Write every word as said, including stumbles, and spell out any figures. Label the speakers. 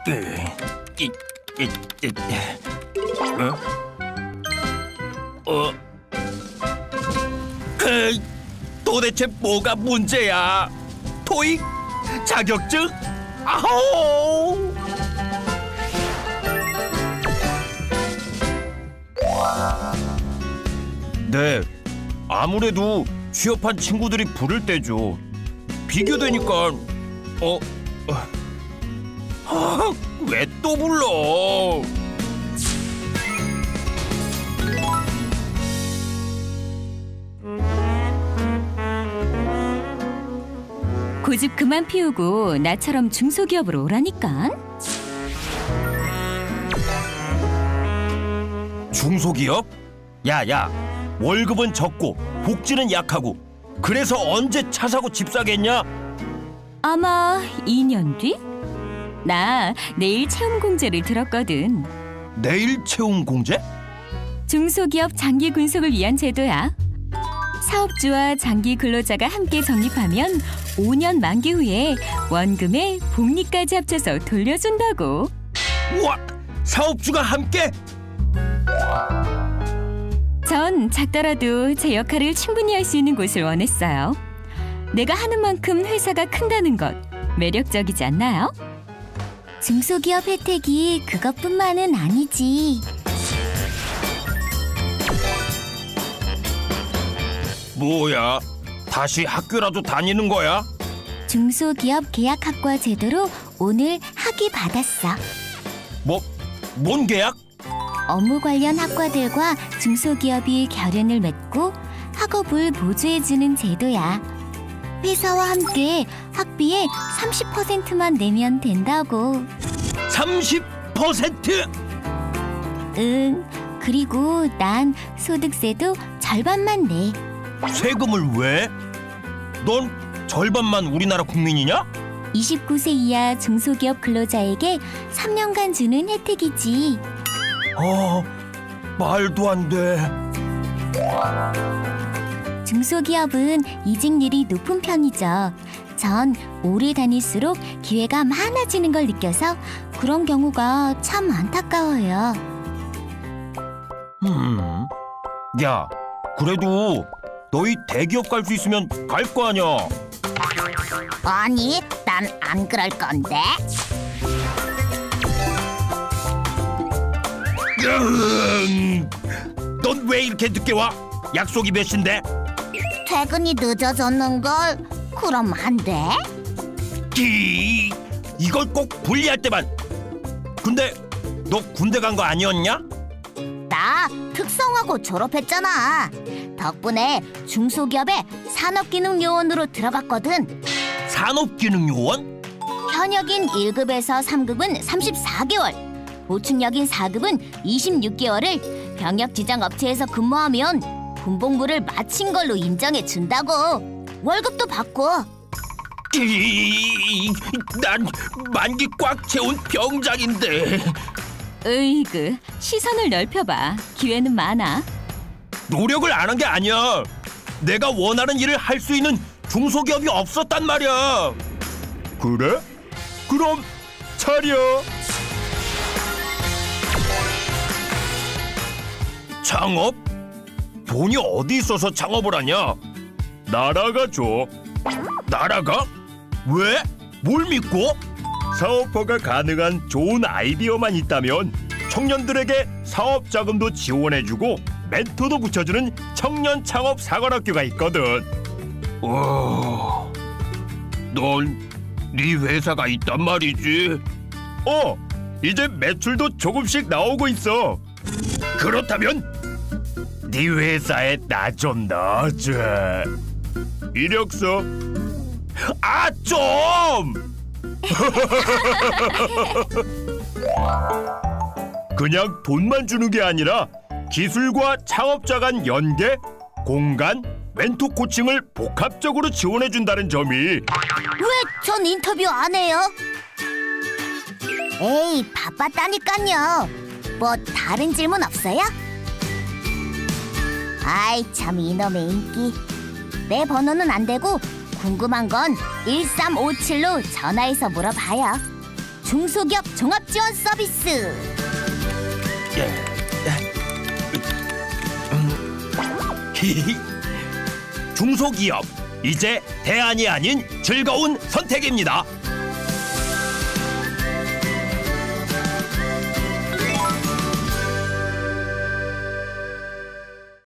Speaker 1: 어? 어? 그, 도대체 뭐가 문제야? 토익? 자격증? 아호! 네, 아무래도 취업한 친구들이 부를 때죠. 비교되니까 어? 아, 왜 또 불러?
Speaker 2: 고집 그만 피우고 나처럼 중소기업으로 오라니까.
Speaker 1: 중소기업? 야야, 월급은 적고 복지는 약하고 그래서 언제 차 사고 집 사겠냐?
Speaker 2: 아마 이 년 뒤? 나 내일 채용 공제를 들었거든.
Speaker 1: 내일 채용 공제?
Speaker 2: 중소기업 장기 군속을 위한 제도야. 사업주와 장기 근로자가 함께 적립하면 오 년 만기 후에 원금에 복리까지 합쳐서 돌려준다고.
Speaker 1: 우와! 사업주가 함께?
Speaker 2: 전 작더라도 제 역할을 충분히 할 수 있는 곳을 원했어요. 내가 하는 만큼 회사가 큰다는 것 매력적이지 않나요?
Speaker 3: 중소기업 혜택이 그것뿐만은 아니지.
Speaker 1: 뭐야? 다시 학교라도 다니는 거야?
Speaker 3: 중소기업 계약학과 제도로 오늘 학위 받았어.
Speaker 1: 뭐, 뭔 계약?
Speaker 3: 업무 관련 학과들과 중소기업이 결연을 맺고 학업을 보조해주는 제도야. 회사와 함께 학비의 삼십 퍼센트만 내면 된다고.
Speaker 1: 삼십 퍼센트?
Speaker 3: 응, 그리고 난 소득세도 절반만 내.
Speaker 1: 세금을 왜? 넌 절반만 우리나라 국민이냐?
Speaker 3: 이십구 세 이하 중소기업 근로자에게 삼 년간 주는 혜택이지.
Speaker 1: 어, 말도 안 돼.
Speaker 3: 중소기업은 이직률이 높은 편이죠. 전 오래 다닐수록 기회가 많아지는 걸 느껴서 그런 경우가 참 안타까워요.
Speaker 1: 음, 야, 그래도 너희 대기업 갈 수 있으면 갈 거 아니야?
Speaker 3: 아니, 난 안 그럴 건데.
Speaker 1: 넌 왜 이렇게 늦게 와? 약속이 몇 시인데?
Speaker 3: 퇴근이 늦어졌는걸. 그럼 안 돼?
Speaker 1: 기, 이걸 꼭 분리할 때만. 근데 너 군대 간 거 아니었냐?
Speaker 3: 나 특성화고 졸업했잖아. 덕분에 중소기업에 산업기능요원으로 들어갔거든.
Speaker 1: 산업기능요원?
Speaker 3: 현역인 일 급에서 삼 급은 삼십사 개월, 보충역인 사 급은 이십육 개월을 병역 지정 업체에서 근무하면 군복무를 마친 걸로 인정해 준다고. 월급도 받고.
Speaker 1: 기, 난 만기 꽉 채운 병장인데.
Speaker 2: 으이그, 시선을 넓혀봐. 기회는 많아.
Speaker 1: 노력을 안 한 게 아니야. 내가 원하는 일을 할 수 있는 중소기업이 없었단 말이야. 그래? 그럼 차려. 창업? 돈이 어디 있어서 창업을 하냐? 나라가 줘. 나라가? 왜? 뭘 믿고? 사업화가 가능한 좋은 아이디어만 있다면 청년들에게 사업 자금도 지원해주고 멘토도 붙여주는 청년 창업 사관학교가 있거든. 와, 넌 네 회사가 있단 말이지? 어, 이제 매출도 조금씩 나오고 있어. 그렇다면 네 회사에 나 좀 넣어줘. 이력서. 아, 좀! 그냥 돈만 주는 게 아니라 기술과 창업자 간 연계, 공간, 멘토 코칭을 복합적으로 지원해준다는 점이.
Speaker 3: 왜 전 인터뷰 안 해요? 에이, 바빴다니깐요. 뭐 다른 질문 없어요? 아이 참, 이놈의 인기. 내 번호는 안 되고 궁금한 건 일삼오칠로 전화해서 물어봐요. 중소기업 종합지원 서비스.
Speaker 1: 중소기업, 이제 대안이 아닌 즐거운 선택입니다.